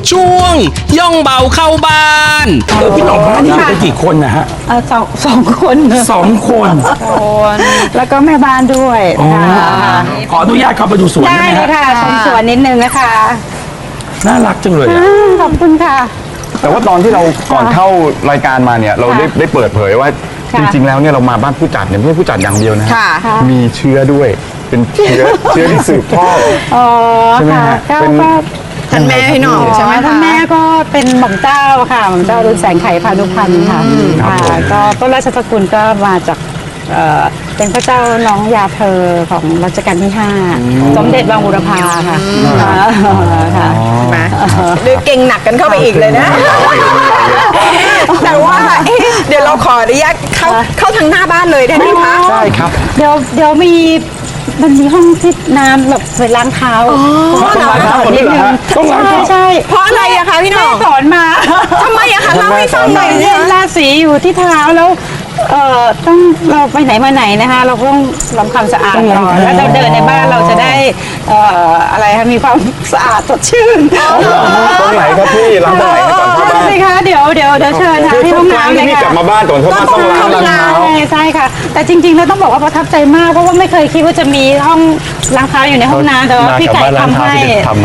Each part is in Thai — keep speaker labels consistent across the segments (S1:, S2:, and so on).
S1: ช่วงย่องเบาเข้าบ้าน
S2: พี่หน่องบ้านนี่อยู่กันกี่คนนะฮะ
S3: สองคน
S2: 2 คน
S3: แล้วก็แม่บ้านด้วยค่ะ
S2: ขออนุญาตเข้าไปดูสวน
S3: ได้
S2: ได้ไหม
S3: เลย
S2: ฮะ
S3: ค่ะชมสวนนิดนึงนะคะ
S2: น่ารักจังเลยอะ
S3: ขอบคุณค่ะ
S4: แต่ว่าตอนที่เราก่อนเข้ารายการมาเนี่ยเราได้เปิดเผยว่า
S3: ค่ะ
S4: จริงๆแล้วเนี่ยเรามาบ้านผู้จัดเนี่ยไม่ใช่ผู้จัดอย่างเดียวนะฮะ
S3: ค่ะ
S4: มีเชื้อด้วยเป็นเชื้อที่สืบทอด
S3: อ๋อ
S4: ใช่ไหม
S3: ค่ะ
S4: ฮะ
S3: ก็
S4: เป็น
S5: ท่านแม่พี่หน่องใช่ไหม
S3: ท่าน
S5: คะ
S3: แม่ก็เป็นหม่อมเจ้าค่ะหม่อมเจ้ารุ่นแสงไข่พานุพันธ์ค่ะค่ะก็ต้นราชสกุลก็มาจากเป็นพระเจ้าน้องยาเธอของรัชกาลที่ 5 สมเด็จบางบุรพาค่ะค่ะ
S5: มาดูเก่งหนักกันเข้าไปอีกเลยนะ แต่ว่าเดี๋ยวเราขออนุญาตเข้าทางหน้าบ้านเลยได้ไหมคะ
S4: ใช่ครับ
S3: เดี๋ยวมันมีห้องที่น้ำแบบไปล้างเท้า
S4: ต้องล้างเท้าก่อนด้วยเหรอฮะ
S3: ต้องล้างเท้าใช่
S5: เพราะอะไรอะคะพี่หน่อง
S3: สอนมา
S5: ทำไมอะคะเล่าให้ฟังหน่อย
S3: เนี่ยราศีอยู่ที่เท้าแล้วต้องเราไปไหนมาไหนนะคะ เราก็ต้องทำความสะอาดก่อนแล้วเราเดินในบ้านเราจะได้อะไรคะมีความสะอาดสดชื่น
S4: ตรงไหนครับพี่ล้างตรงไหนให้ก่อนเข้าบ้าน
S3: สิคะเดี๋ยวเชิญค่ะที่ห้องน้ำเลย
S4: พี่
S3: ค่ะ
S4: กลับมาบ้านก่อนเข้าบ้านต้องล้างเท้า
S3: ใช่ค่ะ แต่จริงๆเราต้องบอกว่าประทับใจมากเพราะว่าไม่เคยคิดว่าจะมีห้องล้างเท้าอยู่ในห้องน้ำแต่ว่าพี่ไก่ทำให้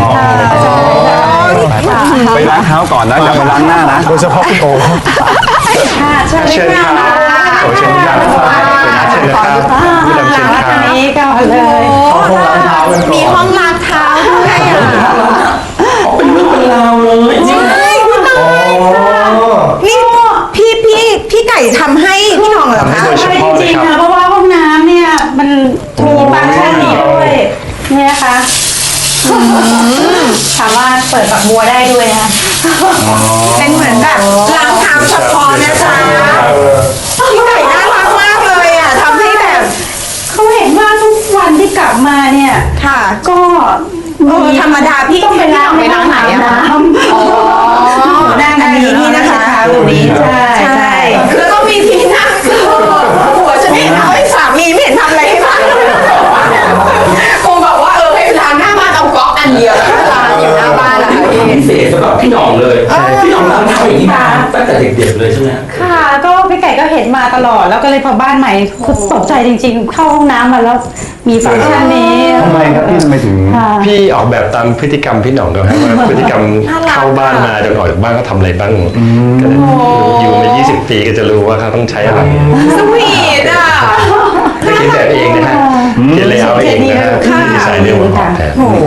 S4: ไปล้างเท้าก่อนนะอย่าไปล้างหน้านะโดยเฉพาะพี่โอ
S3: ค่ะเชิญค่ะ
S4: เชิญครับเชิญครับ
S3: ทางนี้ก่อนเลย
S5: มีห้องล้างเท้าด้วยอะ
S2: เป็นเรื่องเป็นราวเลยจริง
S5: นี่พี่ไก่ทำให้พี่หน่องเหรอคะ
S3: ใช่จริงๆค่ะเพราะว่าห้องน้ำเนี่ยมันมีฟังก์ชันนี้ด้วยเนี่ยนะคะถามว่าเปิดฝักบัวได้ด้วยนะ
S5: เป็นเหมือนแบบล้างเท้าเฉพาะนะจ๊ะพี่ไก่น่ารักมากเลยอะทำให้แบบ
S3: เขาเห็นว่าทุกวันที่กลับมาเนี่ย
S5: ค่ะ
S3: ก็มี
S5: ธรรมดาพี่
S3: ต้องไปล้าง
S5: ไปล้างไหนอะคะ
S3: นั่งอันนี้นี่นะคะตรงนี้ใช่
S5: แล้วก็มีที่นั่งหัวฉันเห็นเอาให้สามีไม่เห็นทำอะไรให้บ้างคงบอกว่าให้ล้างหน้าบ้านเอาก๊อกอันเดียวแล้วก็ล้างอยู่หน้าบ้านอะค่ะพี่
S2: พิเศษสำหรับพี่หน่องเลยพี่หน่องล้างเท้าอย่างนี้มาตั้งแต่เด็กๆเลยใช่ไหม
S3: ค่ะก็พี่ไก่ก็เห็นมาตลอดแล้วก็เลยพอบ้านใหม่คือตกใจจริงๆ เข้าห้องน้ำมาแล้วมีฟังก์ชันนี้
S4: ทำไมครับพี่ทำไมถึง
S6: พี่ออกแบบตามพฤติกรรมพี่หน่องด้วยครับว่าพฤติกรรมเข้าบ้านมาจนออกจากบ้านก็ทำอะไรบ้างก็อยู่มา20 ปีก็จะรู้ว่าเขาต้องใช้อะไร
S5: สวีทอ่ะ
S6: ไม่เขียนแบบเองนะฮะเขียนเลยเอาเองนะฮะดีไซน์เรื่องของออกแบบ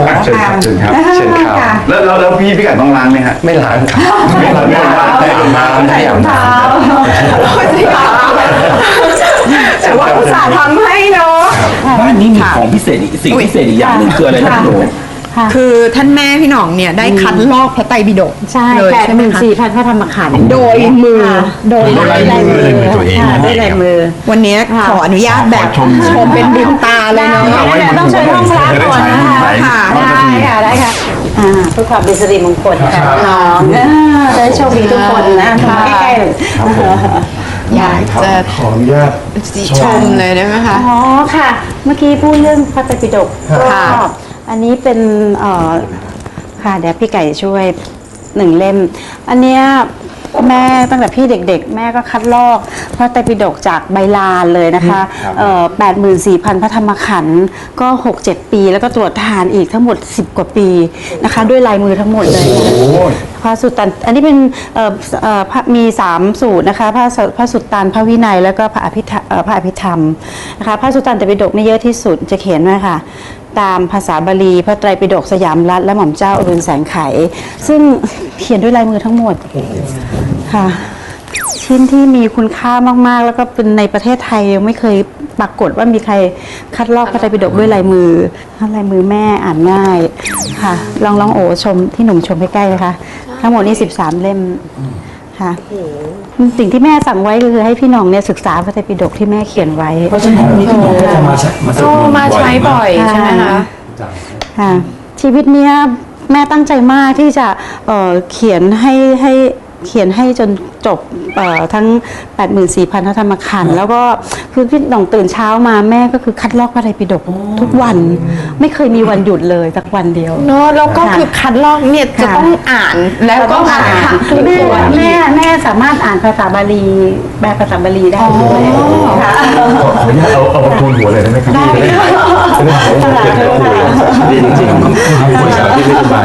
S4: เชิญครับเชิญครับ
S6: เชิญครับ
S4: แล้วพี่ไก่ต้องล้างไหมฮะ
S6: ไม่ล้างครับไม่ล้างไม่อาบน้ำไม่อาบน้ำ
S5: แต่ว่าอุตส่าห์ทำให้เนาะ
S2: บ้านนี้มีของพิเศษอีกสิ่งพิเศษอีกอย่างหนึ่งคืออะไรนะพี่หนู
S5: คือท่านแม่พี่หน่องเนี่ยได้คัดลอกพระไตรปิฎก
S3: ใช่
S5: เลยใช่ไหมคะ
S3: 84,000พระธรรมขันธ์
S5: โดยมือ
S3: โดยลายมือ
S6: ตัวเอง
S3: ค่ะด้วยลายมือ
S5: วันนี้ขออนุญาตแบบชมเป็นบุญตาเลยเนาะ
S3: ต้องเชิญห้องล้างก่อนนะคะ
S5: ค่ะ
S3: ได้ค่ะเพื่อความเป็นสิริมงคลค่ะน้องจะได้โชคดีทุกคนนะใกล้ๆเลย
S5: อยากจะ
S4: ขออนุญาต
S5: ชมเลยได้ไหมคะ
S3: อ๋อค่ะ เมื่อกี้พูดเรื่องพระไตรปิฎกก็
S5: ค่ะ
S3: อันนี้เป็นค่ะเดี๋ยวพี่ไก่ช่วย1 เล่ม อันเนี้ยแม่ตั้งแต่พี่เด็กๆ แม่ก็คัดลอกพระไตรปิฎกจากใบลานเลยนะคะ84,000 พระธรรมขันธ์ก็ 6-7 ปี แล้วก็ตรวจทานอีกทั้งหมด10 กว่าปีนะคะด้วยลายมือทั้งหมดเลยพระสุตตันอันนี้เป็นมี3สูตรนะคะพระสุตตันพระวินัยแล้วก็พระอภิธรรมนะคะพระสุตตันตปิฎกนี่เยอะที่สุดจะเขียนไว้ค่ะตามภาษาบาลีพระไตรปิฎกสยามรัฐและหม่อมเจ้าอรุณแสงไขซึ่งเขียนด้วยลายมือทั้งหมดค่ะชิ้นที่มีคุณค่ามากๆแล้วก็เป็นในประเทศไทยยังไม่เคยปรากฏว่ามีใครคัดลอกพระไตรปิฎกด้วยลายมือลายมือแม่อ่านง่ายค่ะลองโอชมที่หนุ่มชมใกล้ๆนะคะทั้งหมดนี่13 เล่มค่ะสิ่งที่แม่สั่งไว้ก็คือให้พี่น้องเนี่ยศึกษาพระไตรปิฎกที่แม่เขียนไว้
S2: เพราะฉะนั้นวันนี้พี่หน่องก็จะมาสวดมนต์
S5: มาใช้บ่อยใช่ไหมคะ
S3: ค่ะชีวิตเนี้ยแม่ตั้งใจมากที่จะเขียนให้เขียนให้จนจบทั้ง 84,000 พระธรรมขันธ์แล้วก็คือพี่หน่องตื่นเช้ามาแม่ก็คือคัดลอกพระไตรปิฎกทุกวันไม่เคยมีวันหยุดเลยสักวันเดียว
S5: เนอะแล้วก็คือคัดลอกเนี่ยจะต้องอ่านแล้วก็อ่านทุก
S3: แม่
S5: ตัว
S3: แม่สามารถอ่านภาษาบาลีแปลภาษาบาลีได้ด้วยค่ะ
S4: ขออนุญาตเอาประตูหัวเลยได้ไหมครับ
S3: ได้ค่ะ
S6: ดีจริงๆคนสาวที่ไม่สบาย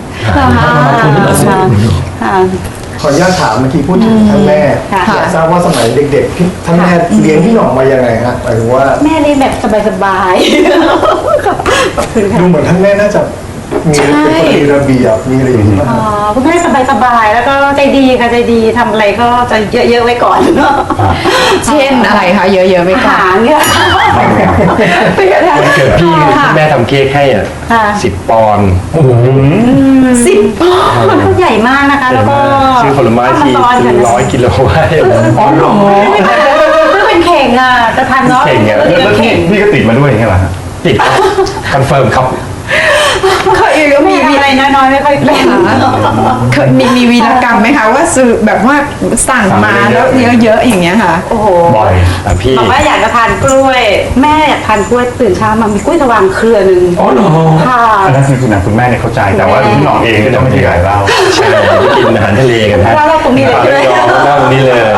S7: ขออนุญาตถามเมื่อกี้พูดถึงท่านแม่
S3: ค่ะ
S7: อยากทราบว่าสมัยเด็กๆพี่ท่านแม่เลี้ยงพี่หน่องมายังไงฮะหมายถึงว่า
S3: แม่เรียนแบบสบายๆขอบคุณค่ะ
S7: ดูเหมือนท่านแม่น่าจะมีเป็นคนมีระเบียบมีอะไรอย่างนี้ป่ะ
S3: คุณแม่สบายๆแล้วก็ใจดีค่ะใจดีทำอะไรก็จะเยอะๆไว้ก่อน
S5: เช่นอะไรคะเยอะๆไป
S3: อา
S5: ก่อน
S3: หารเนี่ย
S6: วันเกิดพี่แม่ทำเค้กให้อ่ะ
S3: ค่ะ
S6: 10 ปอนด์
S5: 10 ปอนด์
S3: ใหญ่มากนะคะ แล้วก็
S6: ซื้อผลไม้ที
S3: เอาาซ้อนกันนะ
S6: 100 กิโลไว้
S2: อ๋อเหรอ
S3: ซื้อเป็นเข่งอ่ะจะทานเนาะ
S6: เข่งอะ
S3: เดี๋ยว
S4: แล้ว
S3: เข่ง
S4: พี่ก็ติดมาด้วยอย่างเงี้ยเหรอฮะ
S6: ติดคอนเฟิร์มครับ
S5: เคยก็
S3: มี
S5: มี
S3: อะไรน้อยๆไม่ค่อยเป็น
S5: เคยมีวีรกรรมไหมคะว่าซื้อแบบว่าสั่งมาแล้วเยอะๆอย่างเงี้ยค่ะ
S3: โอ้โห
S6: บ่อยแต่พี่
S3: บอกว่าอยากจะทานกล้วย แม่อยากทานกล้วยตื่นเช้ามามีกล้วยสว่างเครือหนึ่ง
S2: อ๋อเหรอ
S3: ค่ะ
S4: อันนั้นคือคุณแม่เนี่ยเข้าใจแต่ว่าพี่หน่องเองก็ไม่ได้ขายเหล้า
S6: ใช่กินอาหารทะเลกันฮะ
S3: แล้วเราตรงนี้เลยใช่ไหม
S6: นั่งตรงนี้เลย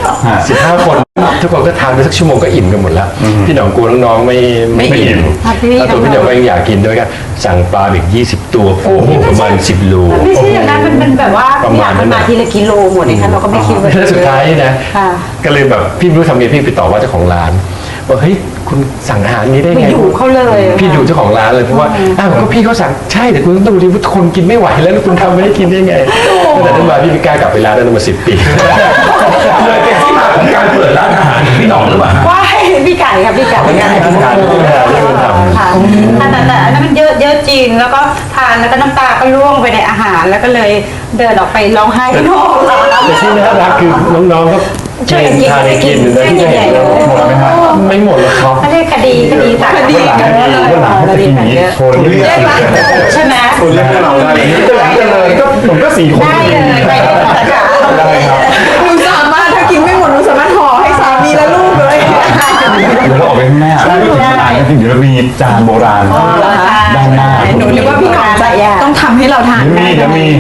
S6: 15 คนทุกคนก็ทานไปสักชั่วโมงก็อิ่มกันหมดแล้ว พี่หน่องกลัวน้องๆไม่อิ่ม
S3: ครับพี่
S6: แล้วตัวพี่หน่องก็ยังอยากกินด้วยกันสั่งปลาอีก20 ตัวโอ้โหประมาณ10 โล
S3: ไม่ใช่อย่างนั้นมันเป็นแบบว่า
S6: ประมาณนั้น
S3: มาทีละกิโลหมดเลยค่ะเราก็ไม่คิดว่า
S6: แล้วสุดท้ายนะ
S3: ค่ะ
S6: ก็เลยแบบพี่ไม่รู้ทำไงพี่ไปต่อว่าเจ้าของร้านบอกเฮ้ยคุณสั่งอาหารนี้ได้
S3: ไป
S6: ไง
S3: อยู่เขาเลย
S6: พี่อยู่เจ้าของร้านเลยเพราะว่าอ้าวก็พี่เขาสั่งใช่แต่คุณต้องดูดิว่าคนกินไม่ไหวแล้วคุณทำไม่ได้กินได้ไงตั้งแต่นั้นมาพี่ไม่กล้ากลับไปร้านนั้นมา10 ปี
S2: เลยเป็นที่มาของการเปิดร้านอาหารของพี่หน่องหรือเปล่า
S3: ว้ายพี่ไก่ครับพี่ไก่
S6: งานที่ทานที่คนทำ
S3: ค่ะแต่อันนั้นมันเยอะจริงแล้วก็ทานแล้วก็น้ำตาก็ร่วงไปในอาหารแล้วก็เลยเดินออกไปร้องไห้ที่นอกร้าน
S6: แต่ที่น่ารักคือน้องๆก็
S3: ช่วยกันกิน
S6: ทานกิน
S3: ช่วยกันกินใหญ่เลย
S4: หมดไหมฮะ
S6: ไม่หมดหรอกครับ
S3: เขาเรียกคดีต่าง
S5: คดี
S3: กัน
S4: วันหลังจะกินอย่างนี้โชว์เรื่อง
S3: ใช่ไหม
S4: คนเรียกเราได้เลยก็ผมก็4 คน
S3: ได้เลยไปได้หมดค่ะ
S4: ได้ครับ
S5: หนูสามารถถ้ากินไม่หมดหนูสามารถห่อให้สามีและลูกเลย
S4: เดี๋ยวเราออกไปข้างหน้าแล้วก็ถึงร้านจริงๆเดี๋ยวมีจานโบราณด้านหน้า
S5: หนูนึกว่าพี่หน่องจะต้องทำให้เราทานได้
S4: เดี๋ยวมี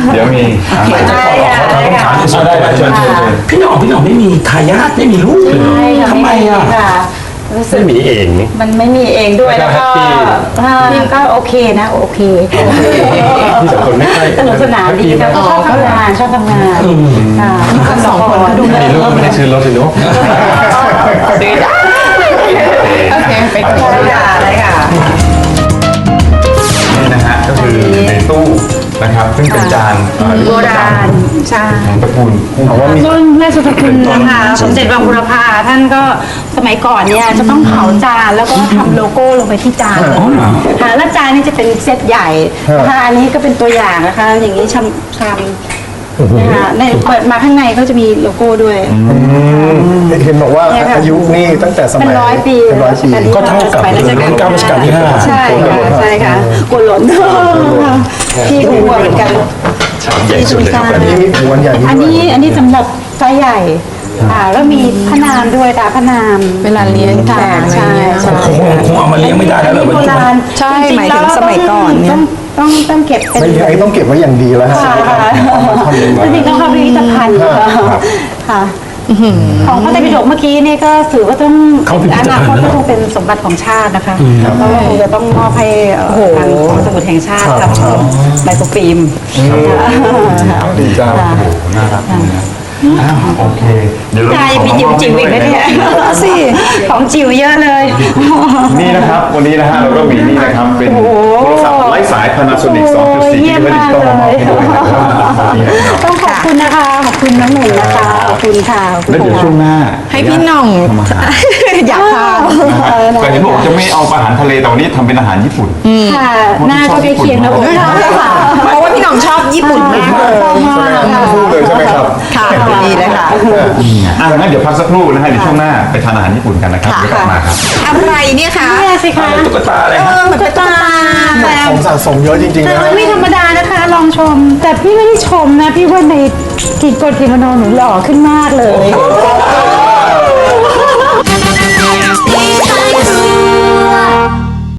S3: ได้ค่ะได้ค่ะ
S4: ได้เชิญ
S2: พี่หน่องไม่มีทายาทไม่มีลูกเลยเหรอ
S3: ใช่ค่ะ
S2: ทำไมอ่ะ
S3: ค่ะรู้สึ
S6: ไม่
S3: ก
S6: มีเองนี่
S3: มันไม่มีเองด้วยแล้วก็ ก็โอเคนะโอเค
S6: พี่สองคนไม่ค่อย
S3: สนุกสนานดีแล้วก็ชอบทำงานค่ะทั้งสองคนก็ดูแล
S6: มีลูกไม่ได้ซื้อรถเลยเนาะ
S5: ซื้อได้โอเคไปก่อนได้ค่ะ
S4: นี่นะฮะก็คือในตู้นะครับซึ่งเป็นจาน
S3: โบราณใช่
S4: ของตระกูลเอาว่ามี
S3: รุ่นแม่สุภคุณนะคะสมเด็จวังบุรพาท่านก็สมัยก่อนเนี่ยจะต้องเผาจานแล้วก็ทำโลโก้ลงไปที่จานเลยค่ะแล้วจานนี้จะเป็นเซตใหญ่นะคะอันนี้ก็เป็นตัวอย่างนะคะ อย่างนี้ชามนะคะในเปิดมาข้างในก็จะมีโลโก้ด้วย
S7: เห็นบอกว่าอายุนี่ตั้งแต่สมัย
S3: เป็น100 ปี
S7: เป็น100 ปี
S2: ก็เท่ากับรุ่น9รัชกาลที่ 5
S3: ใช่ค่ะใช่ค่ะกวนหล่นพี่หัวเหมือนกัน
S6: ชามใหญ่สุดเลยครับอันนี้
S7: นี่มีหัวใหญ่
S3: อันนี้สำหรับไซส์ใหญ่แล้วมีพระนามด้วยตาพระนาม
S5: เวลาเลี้ยงแขกอะไรอย่างเงี้ย
S3: ใช่
S2: คงเอามาเลี้ยงไม่ได้แล้วเหรอ
S3: โบราณ
S5: ใช่หมายถึงสมัยก่อนเนี่ย
S3: ต้องเก็บเป็น
S7: ไม่ใช่ต้องเก็บไว้อย่างดีแล้วฮะ
S3: ค่ะจริงๆต้องเข้าพิพิธภัณฑ์ค่ะของพระไตรปิฎกเมื่อกี้นี่ก็ถือว่าต้องอนาคตก็คงเป็นสมบัติของชาตินะคะเพราะว่าคงจะต้องมอบให้ทางของสมุดแห่งชาติทำไมโครฟิล์ม
S4: ดีจ้าโอ้โหน่ารักนะโอเคเดี๋ยวเรา
S3: ใจมีจิ๋วจิ๋วอีกนะเนี่ยสิของจิ๋วเยอะเลย
S4: นี่นะครับวันนี้นะฮะเราก็มีนี่นะครับเป็นโทรศัพท์ไร้สาย Panasonic 2.4
S3: เยี่ยม
S4: ที่
S3: มาก
S4: ดิจิตอล
S3: เล
S4: มามอบ
S3: ย
S4: ให้ด้วยนะครับนี่นะครับ
S3: ต้องขอบคุณนะคะขอบคุณน้องหนึ่งนะคะขอบคุณค่ะ
S4: แล้วเดี๋ยวช่วงหน้า
S5: ให้พี่หน่องอยากทาน
S4: แต่เห็นบอกจะไม่เอาอาหารทะเลแต่วันนี้ทำเป็นอาหารญี่ปุ่น
S3: ค่ะหน้าก็ใกล้เคียงนะผมค่ะ
S5: เพราะว่าพี่หน่องชอบญี่ปุ่นมากเลย
S3: ชอบมากค่ะ
S7: พูดเลยใช่ไหมครับ
S5: ค่ะดีเลยค่ะ
S4: งั้นเดี๋ยวพักสักครู่นะฮะเดี๋ยวช่วงหน้าไปทานอาหารญี่ปุ่นกันนะครับเดี๋ยวกลับมาครับ
S5: อะไรเนี่ยคะ
S3: เนี่ยสิคะ
S2: ตุ๊กตาอะไร
S5: เอ
S2: ฮะ
S5: อเหมือนตุ๊กตา
S7: ของสะสมเยอะจริงๆ
S3: แต่
S7: นะ
S3: มันไม่ธรรมดานะคะลององชม แต่พี่ไม่ได้ชมนะ พี่ว่าในกิโกนกิโมโนหนูหล่อขึ้นมากเลย